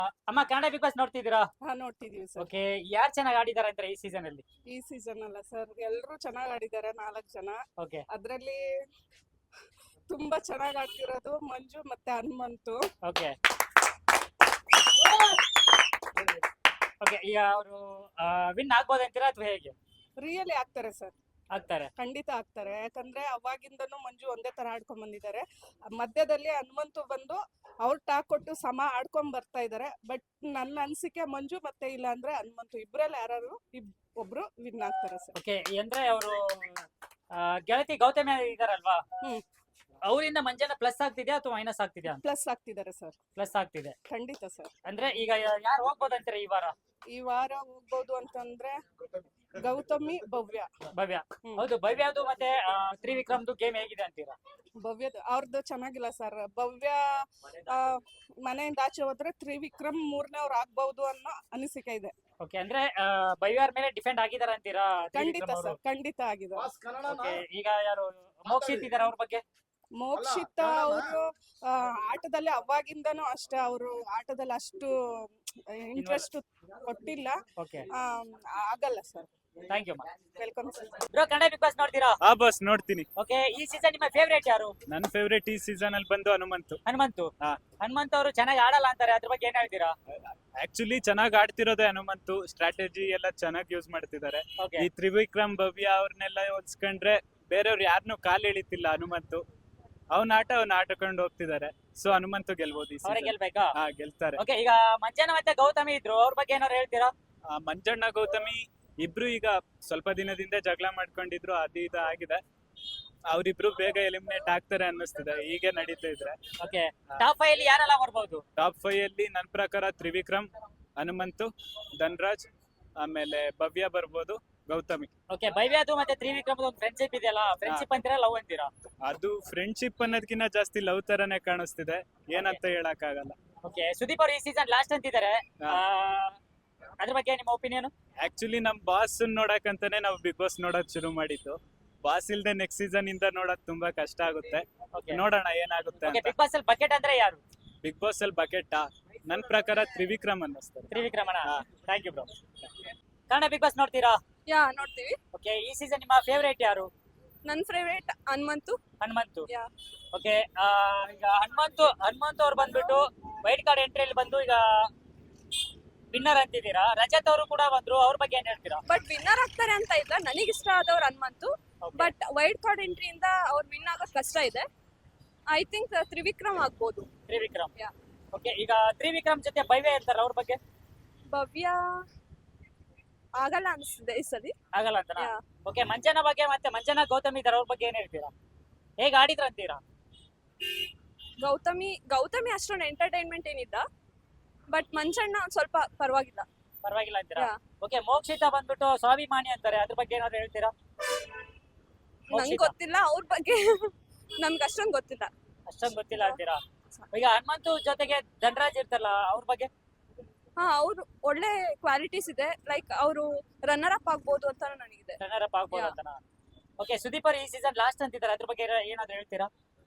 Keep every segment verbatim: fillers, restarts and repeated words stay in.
ಅಮ್ಮ Kannada big boss ನೋಡ್ತಿದ್ದೀರಾ? ಹಾ ನೋಡ್ತಿದೀವಿ ಸರ್. ಓಕೆ, ಯಾರು ಚೆನ್ನಾಗಿ ಆಡಿದ್ದಾರೆ ಅಂತ ಈ ಸೀಸನ್ ಅಲ್ಲಿ? ಈ ಸೀಸನ್ ಅಲ್ಲ ಸರ್, ಎಲ್ಲರೂ ಚೆನ್ನಾಗಿ ಆಡಿದ್ದಾರೆ. ನಾಲ್ಕು ಜನ. ಓಕೆ ಅದ್ರಲ್ಲಿ ತುಂಬಾ ಚೆನ್ನಾಗಿ ಆಡ್ತಿರೋದು ಮಂಜು ಮತ್ತೆ ಹನುಮಂತು. ಓಕೆ ಓಕೆ ಈಗ ಅವರು ವಿನ್ ಆಗ್ಬೋದು ಅಂತೀರಾ ಅಥವಾ ಹೇಗೆ? ರಿಯಲಿ ಆಗ್ತಾರೆ ಸರ್, ಆಗ್ತಾರೆ. ಖಂಡಿತ ಆಗ್ತಾರೆ. ಯಾಕಂದ್ರೆ ಅವಾಗಿಂದನೂ ಮಂಜು ಒಂದೇ ತರ ಆಡ್ಕೊಂಡ್ ಬಂದಿದ್ದಾರೆ. ಮಧ್ಯದಲ್ಲಿ ಹನುಮಂತು ಬಂದು ಅವ್ರು ಟಾಕ್ ಕೊಟ್ಟು ಸಮ ಆಡ್ಕೊಂಡ್ ಬರ್ತಾ ಇದಾರೆ. ಬಟ್ ನನ್ನ ಅನ್ಸಿಕೆ ಮಂಜು ಮತ್ತೆ ಇಲ್ಲ ಅಂದ್ರೆ ಹನುಮಂತು ಇಬ್ರಲ್ಲಿ ಯಾರು ಒಬ್ರು ವಿನ್ ಆಗ್ತಾರೆ ಸರ್. ಓಕೆ, ಅಂದ್ರೆ ಅವರು ಗೆಳತಿ ಗೌತಮಿ ಇದಾರಲ್ವಾ, ಹ್ಮ್ ಅವರಿಂದ ಮಂಜಾನ ಪ್ಲಸ್ ಆಗ್ತಿದ್ಯಾ ಅಥವಾ ಮೈನಸ್ ಆಗ್ತಿದ್ಯಾ? ಪ್ಲಸ್ ಆಗ್ತಿದ್ದಾರೆ ಸರ್, ಪ್ಲಸ್ ಆಗ್ತಿದೆ. ಖಂಡಿತ ಸರ್. ಅಂದ್ರೆ ಈಗ ಯಾರು ಹೋಗ್ಬೋದು ಅಂತೀರಾ ಈ ವಾರ? ಈ ವಾರ ಹೋಗ್ಬೋದು ಅಂತಂದ್ರೆ ಗೌತಮಿ, ಭವ್ಯ. ಭವ್ಯ, ಹ್ಮ್. ಹೌದು. ಭವ್ಯದು ಮತ್ತೆ ಆ, ತ್ರಿವಿಕ್ರಮ್ದು ಗೇಮ್ ಹೇಗಿದೆ ಅಂತೀರಾ? ಭವ್ಯದ ಅವ್ರದ್ದು ಚೆನ್ನಾಗಿಲ್ಲ ಸರ್. ಭವ್ಯ ಆ, ಮನೆಯಿಂದ ಆಚೆ ಹೋದ್ರೆ ತ್ರಿವಿಕ್ರಮ್ ಮೂರನೇ ಅವ್ರು ಆಗ್ಬಹುದು ಅನ್ನೋ ಅನಿಸಿಕೆ ಇದೆ. ಓಕೆ, ಅಂದ್ರೆ ಆ, ಭವ್ಯರ ಮೇಲೆ ಡಿಫೆಂಡ್ ಆಗಿದಾರ ಅಂತೀರಾ? ಖಂಡಿತ ತ್ರಿವಿಕ್ರಮ್ ಸರ್, ಅವರು. ಖಂಡಿತ ಆಗಿದೆ. ಓಕೆ, ಈಗ ಯಾರು ಮೋಕ್ಷಿತ್ ಇದಾರೆ ಅವ್ರ ಬಗ್ಗೆ? ಮೋಕ್ಷಿತ ಅವರು ಆಟದಲ್ಲಿ ಅವಾಗಿಂದನೂ ಅಷ್ಟೇ, ಅವರು ಆಟದಲ್ಲಿ ಅಷ್ಟು ಇಂಟ್ರೆಸ್ಟ್ ಕೊಟ್ಟಿಲ್ಲ. ಓಕೆ, ಆ, ಆಗಲ್ಲ sir. Thank you. Welcome sir. Bro, Kannada big boss ನೋಡ್ತೀರಾ? ಆ ಬಸ್ ನೋಡ್ತೀನಿ. ಓಕೆ, ಈ ಸೀಸನ್ ನಿಮ್ಮ ಫೇವರೇಟ್ ಯಾರು? ನನ್ನ ಫೇವರೇಟ್ ಈ ಸೀಸನ್ ಅಲ್ಲಿ ಬಂದು ಹನುಮಂತು. ಹನುಮಂತು. ಹಾ. ಹನುಮಂತ್ ಅವರು ಚೆನ್ನಾಗಿ ಆಡಲ್ಲ ಅಂತಾರೆ, ಅದ್ರ ಬಗ್ಗೆ ಏನ್ ಹೇಳ್ತೀರಾ? ಆಕ್ಚುಲಿ ಚೆನ್ನಾಗಿ ಆಡ್ತಿರೋದೇ ಹನುಮಂತು. ಸ್ಟ್ರಾಟಜಿ ಎಲ್ಲ ಚೆನ್ನಾಗಿ ಯೂಸ್ ಮಾಡ್ತಿದ್ದಾರೆ. ಓಕೆ, ಈ ತ್ರಿವಿಕ್ರಮ್, ಭವ್ಯ ಅವ್ರನ್ನೆಲ್ಲ ಹೋಲ್ಸ್ಕೊಂಡ್ರೆ ಬೇರೆಯವ್ರು ಯಾರನ್ನೂ ಕಾಲ್ ಎಳಿತಿಲ್ಲ ಹನುಮಂತು. ಅವ್ನ ಆಟ ಅವ್ನ ಆಟಕೊಂಡು ಹೋಗ್ತಿದ್ದಾರೆ. ಸೊ ಹನುಮಂತು ಗೆಲ್ಬೋದು ಈ ಅವರೇ season. ಗೆಲ್ಬೇಕಾ? ಹಾ, ಗೆಲ್ತಾರೆ. ಓಕೆ, ಈಗ ಮಂಜಾನ ಮತ್ತೆ ಗೌತಮಿ ಇದ್ರು, ಅವ್ರ ಬಗ್ಗೆ ಏನಾದ್ರು ಹೇಳ್ತೀರಾ? ಆ, ಮಂಜಣ್ಣ ಗೌತಮಿ ಇಬ್ರು ಈಗ ಸ್ವಲ್ಪ ದಿನದಿಂದ ಜಗಳ ಮಾಡ್ಕೊಂಡಿದ್ರು, ಅದು ಇದು ಆಗಿದೆ. ಅವ್ರಿಬ್ರು ಬೇಗ ಎಲಿಮಿನೇಟ್ ಆಗ್ತಾರೆ ಅನ್ನಿಸ್ತಿದೆ ಹೀಗೆ ನಡೀತಾ ಇದ್ರೆ. ಓಕೆ, ಟಾಪ್ ಫೈವ್ ಅಲ್ಲಿ ಯಾರೆಲ್ಲ ಬರ್ಬೋದು? ಟಾಪ್ ಫೈವ್ ಅಲ್ಲಿ ನನ್ನ ಪ್ರಕಾರ ತ್ರಿವಿಕ್ರಮ್, ಹನುಮಂತು, ಧನ್ರಾಜ್, ಆಮೇಲೆ ಭವ್ಯ ಬರ್ಬೋದು, ಗೌತಮಿ. ಓಕೆ, ಭವ್ಯದು ಮತ್ತೆ ತ್ರಿವಿಕ್ರಮ್ ಒಂದು ಫ್ರೆಂಡ್ಶಿಪ್ ಇದೆಯಲ್ಲ, ಫ್ರೆಂಡ್ಶಿಪ್ ಅಂತೀರಾ ಲವ್ ಅಂತೀರಾ? ಅದು ಫ್ರೆಂಡ್ಶಿಪ್ ಅನ್ನೋದಕ್ಕಿಂತ ಜಾಸ್ತಿ ಲವ್ ತರನೇ ಕಾಣಿಸ್ತಿದೆ, ಏನಂತ ಹೇಳಕ್ ಆಗಲ್ಲ. ಓಕೆ, ಸುದೀಪ್ ಅವರು ಈ ಸೀಸನ್ ಲಾಸ್ಟ್ ಅಂತಿದ್ದಾರೆ, ಹಾ. ಅದ್ರ ಬಗ್ಗೆ ನಿಮ್ಮ ಒಪಿನಿಯನ್? ಆಕ್ಚುಲಿ ನಮ್ ಬಾಸ್ ನೋಡಕ್ಕಂತಾನೆ ನಾವು ಬಿಗ್ ಬಾಸ್ ನೋಡೋದ್ ಶುರು ಮಾಡಿದ್ದು. ಬಾಸ್ ಇಲ್ದೆ ನೆಕ್ಸ್ಟ್ ಸೀಸನ್ ಇಂದ ನೋಡೋದ್ ತುಂಬಾ ಕಷ್ಟ ಆಗುತ್ತೆ. ಓಕೆ, ನೋಡೋಣ ಏನಾಗುತ್ತೆ ಓಕೆ, ಅಂತ. ಬಿಗ್ ಬಾಸ್ ಅಲ್ಲಿ ಬಕೆಟ್ ಅಂದ್ರೆ ಯಾರು? ಬಿಗ್ ಬಾಸ್ ಅಲ್ಲಿ ಬಕೆಟ್ ನನ್ ಪ್ರಕಾರ ತ್ರಿವಿಕ್ರಮ್ ಅನ್ನಿಸ್ತಾರೆ. ತ್ರಿವಿಕ್ರಮಣ. ಹಾ. Thank you bro. Kannada big boss ನೋಡ್ತೀರಾ? ಯಾ ನೋಡ್ತೀವಿ. ಓಕೆ, ಈ ಸೀಸನ್ ನಿಮ್ಮ ಫೇವರೇಟ್ ಯಾರು? ನನ್ favourite Hanumanthu. Hanumanthu. Yeah okay, ಈಗ ಹನುಮಂತು ಹನುಮಂತು ಅವ್ರು ಬಂದ್ಬಿಟ್ಟು ವೈಟ್ ಕಾರ್ಡ್ ಎಂಟ್ರಿಯಲ್ಲಿ ಬಂದು ಈಗ ವಿನ್ನರ್ ಅಂತಿದ್ದೀರಾ. ರಜತ್ ಅವರು ಕೂಡ ಬಂದ್ರು, ಅವ್ರ ಬಗ್ಗೆ ಏನ್ ಹೇಳ್ತೀರಾ? ಬಟ್ ವಿನ್ನರ್ ಆಗ್ತಾರೆ ಅಂತ ಇಲ್ಲ, ನನಗೆ ಇಷ್ಟ ಆದವ್ರು Hanumanthu. Okay. But wild card ಎಂಟ್ರಿಯಿಂದ ಅವ್ರು ವಿನ್ ಆಗೋದು ಕಷ್ಟ ಇದೆ. ಐ ಥಿಂಕ್ ತ್ರಿವಿಕ್ರಮ್ ಆಗ್ಬೋದು. ತ್ರಿವಿಕ್ರಮ್. Yeah. ಓಕೆ, ಈಗ ತ್ರಿವಿಕ್ರಮ್ ಜೊತೆ ಭವ್ಯ ಇರ್ತಾರೆ, ಅವ್ರ ಬಗ್ಗೆ ಭವ್ಯ ಆಗಲ್ಲ ಅನಿಸ್ತಿದೆ ಈ ಸರಿ. ಆಗಲ್ಲ ಅಂತನಾ? Yeah. ಓಕೆ, ಮಂಜನ ಬಗ್ಗೆ ಮತ್ತೆ ಮಂಜನ ಗೌತಮಿ ಇದಾರೆ, ಅವ್ರ ಬಗ್ಗೆ ಏನ್ ಹೇಳ್ತೀರಾ? ಹೇಗ್ ಆಡಿದ್ರ ಅಂತೀರಾ? ಗೌತಮಿ ಗೌತಮಿ ಅಷ್ಟೊಂದು ಎಂಟರ್ಟೈನ್ಮೆಂಟ್ ಏನಿಲ್ಲ, ಬಟ್ ಮಂಜಣ್ಣ ಒಂದ್ ಸ್ವಲ್ಪ ಪರವಾಗಿಲ್ಲ. ಪರವಾಗಿಲ್ಲ ಅಂತೀರಾ? Yeah. ಓಕೆ, ಮೋಕ್ಷಿತ ಬಂದ್ಬಿಟ್ಟು ಸ್ವಾಭಿಮಾನಿ ಅಂತಾರೆ, ಅದ್ರ ಬಗ್ಗೆ ಏನಾದ್ರು ಹೇಳ್ತೀರಾ? ನಂಗೆ ಮೋಕ್ಷಿತ ಗೊತ್ತಿಲ್ಲ ಅವ್ರ ಬಗ್ಗೆ. ನಮ್ಗೆ ಅಷ್ಟೊಂದು ಗೊತ್ತಿಲ್ಲ. ಅಷ್ಟೊಂದು ಗೊತ್ತಿಲ್ಲ ಅಂತೀರಾ? ಈಗ ಹನುಮಂತು ಜೊತೆಗೆ ಧನರಾಜ್ ಇರ್ತಾರಲ್ಲ, ಅವ್ರ ಬಗ್ಗೆ? ಹಾ, ಅವ್ರು ಒಳ್ಳೆ ಕ್ವಾಲಿಟೀಸ್ ಇದೆ. ಲೈಕ್ ಅವರು ರನ್ನರ್ ಅಪ್ ಆಗ್ಬೋದು ಅಂತ ನನಗಿದೆ. ರನ್ನರ್ ಅಪ್ ಆಗ್ಬೋದು Yeah. ಅಂತನಾ? ಓಕೆ, ಸುದೀಪ್ ಅವರು ಈ ಸೀಸನ್ ಲಾಸ್ಟ್ ಅಂತಿದ್ದಾರೆ, ಅದ್ರ ಬಗ್ಗೆ ಏನ- ಏನಾದ್ರು ಹೇಳ್ತೀರಾ?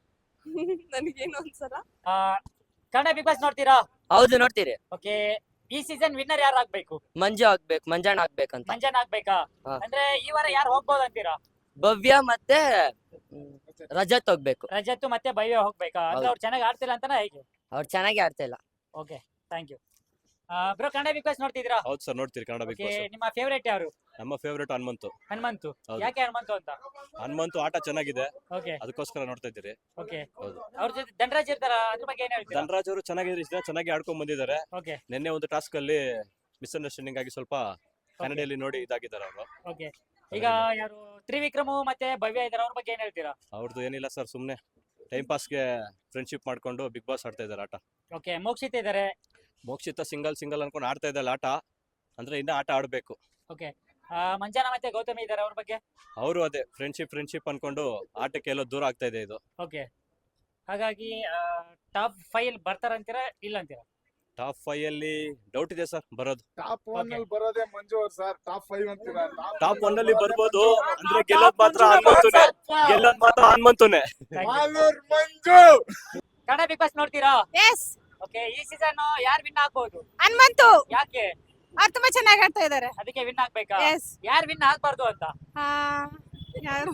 ನನಗೇನು ಅನ್ಸಲ್ಲ. ಆ, ಕನ್ನಡ ಬಿಗ್ ಬಾಸ್ ನೋಡ್ತೀರಾ? ಹೌದು ನೋಡ್ತೀರಿ. ಓಕೆ, ಈ ಸೀಸನ್ ವಿನ್ನರ್ ಯಾರು ಆಗ್ಬೇಕು? ಮಂಜು ಆಗ್ಬೇಕು, ಮಂಜಾಣ ಆಗ್ಬೇಕಂತ. ಮಂಜನ್ ಆಗ್ಬೇಕಾ? ಹಾ. ಅಂದ್ರೆ ಈ ವಾರ ಯಾರು ಹೋಗ್ಬೋದು ಅಂತೀರಾ? ಭವ್ಯ ಮತ್ತೆ ಮ್, ರಜತ್ ಹೋಗ್ಬೇಕು. ರಜತ್ ಮತ್ತೆ ಭವ್ಯ ಹೋಗ್ಬೇಕಾ? ಅಂದ್ರೆ ಹೌದು. ಅವ್ರು ಚೆನ್ನಾಗಿ ಆಡ್ತಿಲ್ಲ ಅಂತನಾ ಹೇಗೆ? ಅವ್ರು ಚೆನ್ನಾಗಿ ಆಡ್ತಾ ಇಲ್ಲ. Okay, thank you. Bro, Kannada big boss ನೋಡ್ತಿದ್ದೀರಾ? ಹೌದು ಸರ್, ನೋಡ್ತೀರಿ ಕನ್ನಡ ಬಿಗ್ ಓಕೆ, ಬಾಸ್. ನಿಮ್ಮ ಫೇವರೇಟ್ ಯಾರು? ನಮ್ಮ ಫೇವರೇಟ್ ಹನುಮಂತು. ಹನುಮಂತು. ಹೌದು. ಯಾಕೆ ಹನುಮಂತು ಅಂತ? ಹನುಮಂತು ಆಟ ಚೆನ್ನಾಗಿದೆ, ಓಕೆ, ಅದಕ್ಕೋಸ್ಕರ ನೋಡ್ತಾ ಇದ್ದೀರಿ. ಓಕೆ. ಹೌದು. ಅವ್ರ ಜೊತೆ ಧನರಾಜ್ ಇರ್ತಾರ, ಅದ್ರ ಬಗ್ಗೆ ಏನ್ ಹೇಳ್ತೀರಾ? ಧನರಾಜ್ ಅವರು ಚೆನ್ನಾಗಿ ಚೆನ್ನಾಗಿ ಆಡ್ಕೊಂಡ್ ಬಂದಿದ್ದಾರೆ. ಓಕೆ, ನಿನ್ನೆ ಒಂದು ಟಾಸ್ಕ್ ಅಲ್ಲಿ ಮಿಸ್ಅಂಡರ್ಸ್ಟ್ಯಾಂಡಿಂಗ್ ಆಗಿ ಸ್ವಲ್ಪ ಕನ್ನಡಿಯಲ್ಲಿ ನೋಡಿ ಇದಾಗಿದ್ದಾರೆ ಅವರು. ಓಕೆ. ಈಗ ಯಾರು ತ್ರಿವಿಕ್ರಮು ಮತ್ತೆ ಭವ್ಯ ಇದಾರೆ, ಅವ್ರ ಬಗ್ಗೆ ಏನ್ ಹೇಳ್ತೀರಾ? ಅವ್ರದ್ದು ಏನಿಲ್ಲ ಸರ್, ಸುಮ್ನೆ ಟೈಮ್ ಪಾಸ್ಗೆ ಫ್ರೆಂಡ್ಶಿಪ್ ಮಾಡ್ಕೊಂಡು ಬಿಗ್ ಬಾಸ್ ಆಡ್ತಾ ಇದ್ದಾರೆ ಆಟ. ಓಕೆ, ಮೋಕ್ಷಿತ್ ಇದಾರೆ. ಮೋಕ್ಷಿತ ಸಿಂಗಲ್ ಸಿಂಗಲ್ ಅನ್ಕೊಂಡು ಆಡ್ತಾ ಇದ್ದಾರೆ ಆಟ, ಅಂದ್ರೆ ಇನ್ನ ಆಟ ಆಡ್ಬೇಕು. ಓಕೆ, ಮಂಜಾನ ಮತ್ತೆ ಗೌತಮಿ ಇದಾರೆ, ಅವ್ರ ಬಗ್ಗೆ? ಅವರು ಅದೇ ಫ್ರೆಂಡ್ಶಿಪ್ ಫ್ರೆಂಡ್ಶಿಪ್ ಅನ್ಕೊಂಡು ಆಟಕ್ಕೆ ಎಲ್ಲೋ ದೂರ ಆಗ್ತಾ ಇದೆ ಇದು. ಓಕೆ, ಹಾಗಾಗಿ ಟಾಪ್ ಫೈವ್ ಬರ್ತಾರಂತೀರಾ ಇಲ್ಲ ಅಂತೀರಾ? ಟಾಪ್ ಫೈವ್ ಅಲ್ಲಿ ಡೌಟ್ ಇದೆ ಸರ್ ಬರೋದು. ಟಾಪ್ ಒನ್ ಅಲ್ಲಿ ಬರೋದೇ ಮಂಜು ಅವ್ರು ಸರ್. ಟಾಪ್ ಫೈವ್ ಅಂತೀರಾ? ಟಾಪ್ ಒನ್ ಅಲ್ಲಿ ಬರ್ಬೋದು, ಅಂದ್ರೆ ಗೆಲ್ಲೋದ್ ಮಾತ್ರ ಹನುಮಂತುನೆ, ಗೆಲ್ಲೋದ್ ಮಾತ್ರ ಹನುಮಂತುನೆ. ಮಾಲೂರ್ ಮಂಜು. ಕನ್ನಡ ಬಿಗ್ ಬಾಸ್ ನೋಡ್ತೀರಾ? ಎಸ್. ಓಕೆ ಈ ಸೀಸನ್ ಯಾರು ವಿನ್ ಆಗ್ಬಹುದು? ಹನುಮಂತು ಯಾಕೆ? ಅವ್ರು ತುಂಬಾ ಚೆನ್ನಾಗಿ ಆಡ್ತಾ ಇದಾರೆ. ಅದಕ್ಕೆ ವಿನ್ ಆಗ್ಬೇಕಾ? ಎಸ್. ಯಾರು ವಿನ್ ಆಗ್ಬಾರ್ದು ಅಂತ? ಯಾರು?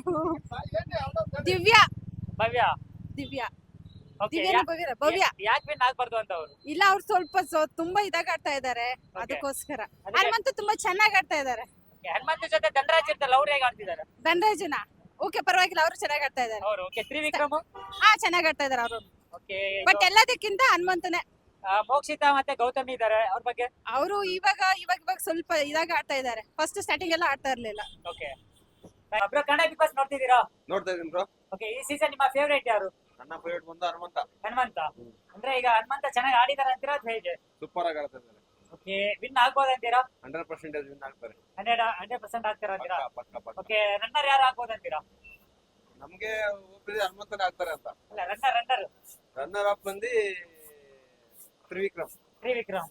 ದಿವ್ಯಾ ಭವ್ಯ. ದಿವ್ಯಾ ಓಕೆ ದಿವ್ಯಾ ಭವ್ಯ ಭವ್ಯ ಯಾಕೆ ವಿನ್ ಆಗ್ಬಾರ್ದು ಅಂತ ಅವರು? ಇಲ್ಲ, ಅವ್ರು ಸ್ವಲ್ಪ ಸೊ- ತುಂಬಾ ಇದಾಗಿ ಆಡ್ತಾ ಇದಾರೆ, ಅದಕ್ಕೋಸ್ಕರ. ಹನುಮಂತು ತುಂಬಾ ಚೆನ್ನಾಗಿ ಆಡ್ತಾ ಇದಾರೆ. ಹನುಮಂತ ಜೊತೆ ಧನರಾಜ್ ಇರ್ತಲ್ಲ, ಅವ್ರು ಹೇಗೆ ಆಡ್ತಿದ್ದಾರೆ? ಧನರಾಜನ ಓಕೆ, ಪರವಾಗಿಲ್ಲ, ಅವರು ಚೆನ್ನಾಗಿ ಆಡ್ತಾ ಇದಾರೆ. ಅವರು ಓಕೆ. ತ್ರಿವಿಕ್ರಮ್ ಹಾ, ಚೆನ್ನಾಗಿ ಆಡ್ತಾ ಇದಾರೆ ಅವರು. ಓಕೆ. ಬಟ್ ಎಲ್ಲದಕ್ಕಿಂತ ಹನುಮಂತನೇ. ಮೋಕ್ಷಿತಾ ಮತ್ತೆ ಗೌತಮಿ ಇದ್ದಾರೆ, ಅವ್ರ ಬಗ್ಗೆ? ಅವರು ಇವಾಗ ಇವಾಗ ಇವಾಗ ಸ್ವಲ್ಪ ಇದಾಗಿ ಆಡ್ತಾ ಇದಾರೆ. ಫಸ್ಟ್ ಸ್ಟಾರ್ಟಿಂಗ್ ಎಲ್ಲ ಆಡ್ತಾ ಇರ್ಲಿಲ್ಲ. Okay bro, Kannada big boss ನೋಡ್ತಿದ್ದೀರಾ? ನೋಡ್ತಾ ಇದೀನಿ ಬ್ರೋ. ಓಕೆ ಈ ಸೀಸನ್ ನಿಮ್ಮ ಫೇವರೇಟ್ ಯಾರು? ನನ್ನ ಫೇವರೇಟ್ ಬಂದು ಹನುಮಂತ. ಹನುಮಂತ ಅಂದ್ರೆ ಈಗ ಹನುಮಂತ ಚೆನ್ನಾಗಿ ಆಡಿದಾರೆ ಅಂತೀರಾ ಅಥವಾ ಹೇಗೆ? ಸೂಪರ್ ಆಗಿ ಆಡ್ತಾ ಇದ್ದಾರೆ. ಓಕೆ ವಿನ್ ಆಗ್ಬೋದು ಅಂತೀರಾ? ಹಂಡ್ರೆಡ್ ಪರ್ಸೆಂಟೇಜ್ ವಿನ್ ಆಗ್ತಾರೆ. ಹಂಡ್ರೆಡ್ ಹಂಡ್ರೆಡ್ ಪರ್ಸೆಂಟ್ ಆಗ್ತಾರ ಅಂತೀರಾ? ಪಕ್ಕ ಪಕ್ಕ ಪಕ್ಕ. ಓಕೆ ರನ್ನರ್ ಯಾರು ಆಗ್ಬೋದು ಅಂತೀರಾ? ನಮ್ಗೆ ಒಪ್ಪಿದೆ ಹನುಮಂತನೇ ಆಗ್ತಾರೆ ಅಂತ. ಅಲ್ಲ ರನ್ನರ್ ರನ್ನರ್ ರನ್ನರ್ ಅಪ್ ಬಂದು ತ್ರಿವಿಕ್ರಮ್. ತ್ರಿವಿಕ್ರಮ್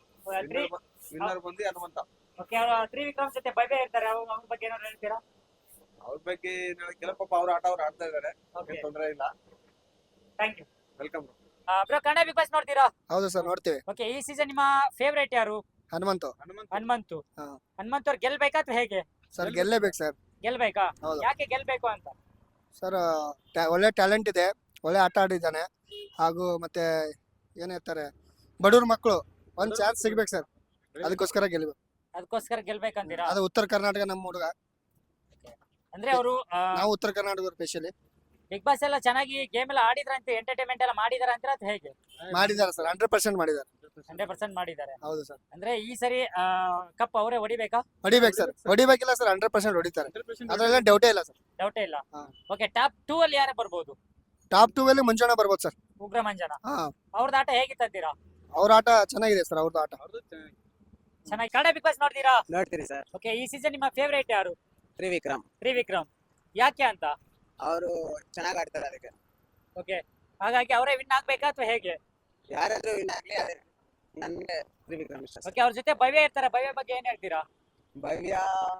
ವಿನ್ನರ್ ಬಂದು ಹನುಮಂತ. ಓಕೆ ಅವರು ತ್ರಿವಿಕ್ರಮ್ ಜೊತೆ ಭವ್ಯ ಇರ್ತಾರೆ, ಅವ್ರ ಅವ್ರ ಬಗ್ಗೆ ಏನಾದ್ರು ಹೇಳ್ತೀರಾ? ಅವ್ರ ಬಗ್ಗೆ ಕೆಲವು ಪಾಪ ಅವ್ರ ಆಟ ಅವ್ರು ಆಡ್ತಾ ಇದಾರೆ, ಓಕೆ ತೊಂದರೆ ಇಲ್ಲ. Thank you. Welcome. Bro Kannada big boss ನೋಡ್ತೀರಾ? ಹೌದು ಸರ್, ನೋಡ್ತೀವಿ. ಓಕೆ ಈ ಸೀಸನ್ ನಿಮ್ಮ ಫೇವರೇಟ್ ಯಾರು? ಹನುಮಂತು. ಹನುಮಂತು. ಹಾ. ಹನುಮಂತ್ ಅವ್ರು ಗೆಲ್ಬೇಕಾ ಅಥವಾ ಹೇಗೆ? ಸರ್ ಗೆಲ್ಲೇಬೇಕು ಸರ್. ಗೆಲ್ಬೇಕಾ? ಹೌದು ಯಾಕೆ ಗೆಲ್ಬೇಕು ಅಂತ? ಸರ್, ಟ್ಯಾ- ಒಳ್ಳೆ ಟ್ಯಾಲೆಂಟ್ ಇದೆ, ಒಳ್ಳೆ ಆಟ ಆಡಿದ್ದಾನೆ. ಹಾಗೂ ಮತ್ತೆ ಏನ್ ಹೇಳ್ತಾರೆ, ಬಡವ್ರ ಮಕ್ಕಳು ಒಂದ್ ಚಾನ್ಸ್ ಸಿಗ್ಬೇಕು ಸರ್, ಅದಕ್ಕೋಸ್ಕರ ಗೆಲ್ಬೇಕು. ಅದಕ್ಕೋಸ್ಕರ ಗೆಲ್ಬೇಕಂತೀರಾ? ಅದು ಉತ್ತರ ಕರ್ನಾಟಕ ನಮ್ಮ ಹುಡುಗ, ಅಂದ್ರೆ ಅವರು ನಾವು ಉತ್ತರ ಕರ್ನಾಟಕ ಸ್ಪೆಷಲಿ. ಬಿಗ್ ಬಾಸ್ ಎಲ್ಲ ಚೆನ್ನಾಗಿ ಗೇಮ್ ಎಲ್ಲ ಆಡಿದ್ರಂತೆ, ಎಂಟರ್ಟೈನ್ಮೆಂಟ್ ಎಲ್ಲ ಮಾಡಿದಾರ ಅಂತೀರಾ ಅಥವಾ ಹೇಗೆ? ಮಾಡಿದ್ದಾರೆ ಸರ್, ಹಂಡ್ರೆಡ್ ಪರ್ಸೆಂಟ್ ಮಾಡಿದ್ದಾರೆ. ಹಂಡ್ರೆಡ್ ಪರ್ಸೆಂಟ್ ಮಾಡಿದ್ದಾರೆ. ಹೌದು ಸರ್. ಅಂದ್ರೆ ಈ ಸರಿ ಕಪ್ ಅವರೇ ಹೊಡಿಬೇಕಾ? ಹೊಡಿಬೇಕು ಸರ್, ಹೊಡಿಬೇಕಿಲ್ಲ ಸರ್, ಹಂಡ್ರೆಡ್ ಪರ್ಸೆಂಟ್ ಹೊಡಿತಾರೆ, ಅದ್ರಲ್ಲ ಡೌಟೇ ಇಲ್ಲ ಸರ್. ಡೌಟೇ ಇಲ್ಲ. ಹಾ. ಓಕೆ ಟಾಪ್ ಟೂ ಅಲ್ಲಿ ಯಾರು ಬರ್ಬೋದು? ಟಾಪ್ ಟೂ ಅಲ್ಲಿ ಮುಂಚೂಣ ಬರ್ಬೋದು ಸರ್. ಉಗ್ರ ಮಂಜನ ಹಾ, ಅವ್ರದ್ದು ಆಟ ಹೇಗಿತ್ತಂತೀರಾ? ಅವ್ರ ಆಟ ಚೆನ್ನಾಗಿದೆ ಸರ್, ಅವ್ರದ್ದು ಆಟ. ಚೆನ್ನಾಗಿ. ಕನ್ನಡ ಬಿಗ್ ಬಾಸ್ ನೋಡ್ತೀರಾ? ನೋಡ್ತೀರಿ ಸರ್. ಓಕೆ ಈ ಸೀಸನ್ ನಿಮ್ಮ ಫೇವರೇಟ್ ಯಾರು? ತ್ರಿವಿಕ್ರಮ್. ತ್ರಿವಿಕ್ರಮ್. ಯಾಕೆ ಅಂತ? ಅವರು ಚೆನ್ನಾಗಿ ಆಡ್ತಾರೆ, ಅದಕ್ಕೆ. ಓಕೆ ಹಾಗಾಗಿ ಅವರೇ ವಿನ್ ಆಗ್ಬೇಕಾ ಅಥವಾ ಹೇಗೆ? ಯಾರಾದ್ರೂ ವಿನ್ ಆಗ್ಲಿ, ಅದೇ ನನ್ಗೆ ತ್ರಿವಿಕ್ರಮ್ ಇಷ್ಟ. ಓಕೆ ಅವ್ರ ಜೊತೆ ಭವ್ಯ ಇರ್ತಾರೆ, ಭವ್ಯ ಬಗ್ಗೆ ಏನ್ ಹೇಳ್ತೀರಾ? ಭವ್ಯ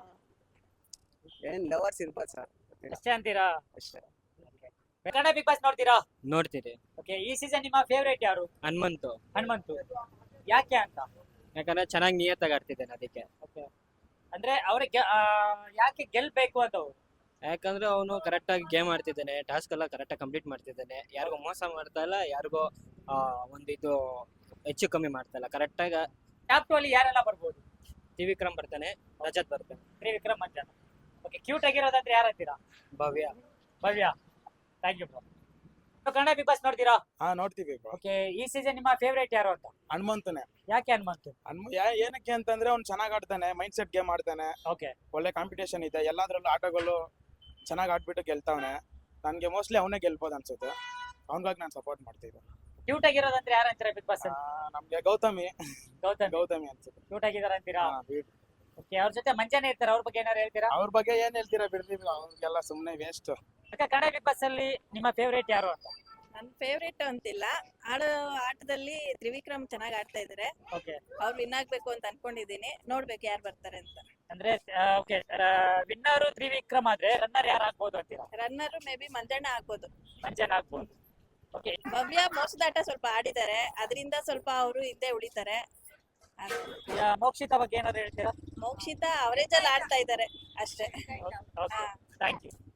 ಏನ್ ಲವರ್ಸ್ ಇರ್ಬೋದು ಸರ್, ಅಷ್ಟೇ ಅಂತೀರಾ? ಅಷ್ಟೇ. ಕನ್ನಡ ಬಿಗ್ ಬಾಸ್ ನೋಡ್ತೀರಾ? ನೋಡ್ತೀರಿ. ಓಕೆ ಈ ಸೀಸನ್ ನಿಮ್ಮ ಫೇವರೇಟ್ ಯಾರು? ಹನುಮಂತು. ಹನುಮಂತು. ಯಾಕೆ ಅಂತ? ಯಾಕಂದ್ರೆ ಚೆನ್ನಾಗಿ ನಿಯತ್ತಾಗಿ ಆಡ್ತಿದ್ದಾನೆ, ಅದಕ್ಕೆ. ಓಕೆ ಅಂದ್ರೆ ಅವ್ರಿಗೆ ಯಾಕೆ ಗೆಲ್ಬೇಕು ಅಂತ ಅವ್ರು? ಯಾಕಂದ್ರೆ ಅವನು ಕರೆಕ್ಟ್ ಆಗಿ ಗೇಮ್ ಆಡ್ತಿದ್ದಾನೆ, ಟಾಸ್ಕ್ ಎಲ್ಲ ಕರೆಕ್ಟ್ ಆಗಿ ಕಂಪ್ಲೀಟ್ ಮಾಡ್ತಿದ್ದಾನೆ, ಯಾರಿಗೂ ಮೋಸ ಮಾಡ್ತಾ ಇಲ್ಲ, ಯಾರಿಗೂ ಆ, ಒಂದು ಇದು ಹೆಚ್ಚು ಕಮ್ಮಿ ಮಾಡ್ತಾ ಇಲ್ಲ, ಕರೆಕ್ಟ್ ಆಗಿ. ಟಾಪ್ ಟು ಅಲ್ಲಿ ಯಾರೆಲ್ಲ ಬರ್ಬೋದು? ತ್ರಿವಿಕ್ರಮ್ ಬರ್ತಾನೆ, ರಜತ್ ಬರ್ತಾನೆ. ತ್ರಿವಿಕ್ರಮ್ ಮಂಜನ. ಓಕೆ ಕ್ಯೂಟ್ ಆಗಿರೋದಂದ್ರೆ ಯಾರು ಅಂತೀರಾ? Bhavya. Bhavya. Thank you bro. Kannada big boss ನೋಡ್ತೀರಾ? ಹಾ ನೋಡ್ತೀವಿ ಬ್ರೋ. ಓಕೆ ಈ ಸೀಸನ್ ನಿಮ್ಮ ಫೇವರೇಟ್ ಯಾರು ಅಂತ? ಹನುಮಂತನೇ. ಯಾಕೆ ಹನುಮಂತು? ಹನುಮ ಯಾ- ಏನಕ್ಕೆ ಅಂತಂದ್ರೆ ಅವ್ನು ಚೆನ್ನಾಗಿ ಆಡ್ತಾನೆ, ಮೈಂಡ್ ಸೆಟ್ ಗೇಮ್ ಆಡ್ತಾನೆ, ಓಕೆ ಒಳ್ಳೆ ಕಾಂಪಿಟೇಷನ್ ಇದೆ, ಎಲ್ಲಾದ್ರಲ್ಲೂ ಆಟಗಳು ಚೆನ್ನಾಗಿ ಆಡ್ಬಿಟ್ಟು ಗೆಲ್ತಾವನೆ. ನನ್ಗೆ ಮೋಸ್ಟ್ಲಿ ಅವನೇ ಗೆಲ್ಬೋದು ಅನ್ಸುತ್ತೆ, ಅವನಿಗಾಗಿ ನಾನು ಸಪೋರ್ಟ್ ಮಾಡ್ತಿದ್ದೆ. ಕ್ಯೂಟ್ ಆಗಿರೋದಂದ್ರೆ ಯಾರು ಅಂತೀರಾ ಬಿಗ್ ಬಾಸ್? ನಮ್ಗೆ ಗೌತಮಿ ಗೌತಮ್. ಗೌತಮಿ ಅನ್ಸುತ್ತೆ. ಕ್ಯೂಟ್ ಆಗಿದಾರ ಅಂತೀರಾ? ಹಾ, beauty. ಓಕೆ ಅವ್ರ ಜೊತೆ ಮಂಜಾನೆ ಇರ್ತಾರೆ, ಅವ್ರ ಬಗ್ಗೆ ಏನಾರು ಹೇಳ್ತೀರಾ? ಅವ್ರ ಬಗ್ಗೆ ಏನ್ ಹೇಳ್ತೀರಾ ಬಿಡ್ರಿ, ಅವ್ರಿಗೆಲ್ಲ ಸುಮ್ನೆ waste. Okay Kannada big boss ಅಲ್ಲಿ ನಿಮ್ಮ ಫೇವರೇಟ್ ಯಾರು ಅಂತ? ನನ್ನ ಫೇವ್ರೇಟ್ ಅಂತಿಲ್ಲ, ಆಡೋ ಆಟದಲ್ಲಿ ತ್ರಿವಿಕ್ರಮ್ ಚೆನ್ನಾಗಿ ಆಡ್ತಾ ಇದಾರೆ. ಓಕೆ ಅವ್ರು ವಿನ್ ಆಗ್ಬೇಕು ಅಂತ ಅನ್ಕೊಂಡಿದೀನಿ, ನೋಡ್ಬೇಕು ಯಾರು ಬರ್ತಾರೆ ಅಂತ. ಅಂದ್ರೆ ಓಕೆ ವಿನ್ನರ್ ತ್ರಿವಿಕ್ರಮ್ ಆದ್ರೆ ರನ್ನರ್ ಯಾರು ಆಗ್ಬೋದು ಅಂತೀರಾ? ರನ್ನರ್ ಮೇ ಬಿ ಮಂಜಣ್ಣ ಆಗ್ಬೋದು. ಮಂಜಾನ ಆಗ್ಬೋದು. ಓಕೆ ಭವ್ಯ ಮೋಸದಾಟ ಸ್ವಲ್ಪ ಆಡಿದ್ದಾರೆ, ಅದರಿಂದ ಸ್ವಲ್ಪ ಅವರು ಹಿಂದೆ ಉಳಿತಾರೆ. ಮೋಕ್ಷಿತಾ ಬಗ್ಗೆ ಏನಾದ್ರು ಹೇಳ್ತೀರಾ? ಮೋಕ್ಷಿತಾ ಅವರೇಜ್ ಅಲ್ಲಿ ಆಡ್ತಾ ಇದ್ದಾರೆ ಅಷ್ಟೇ. Okay thank you.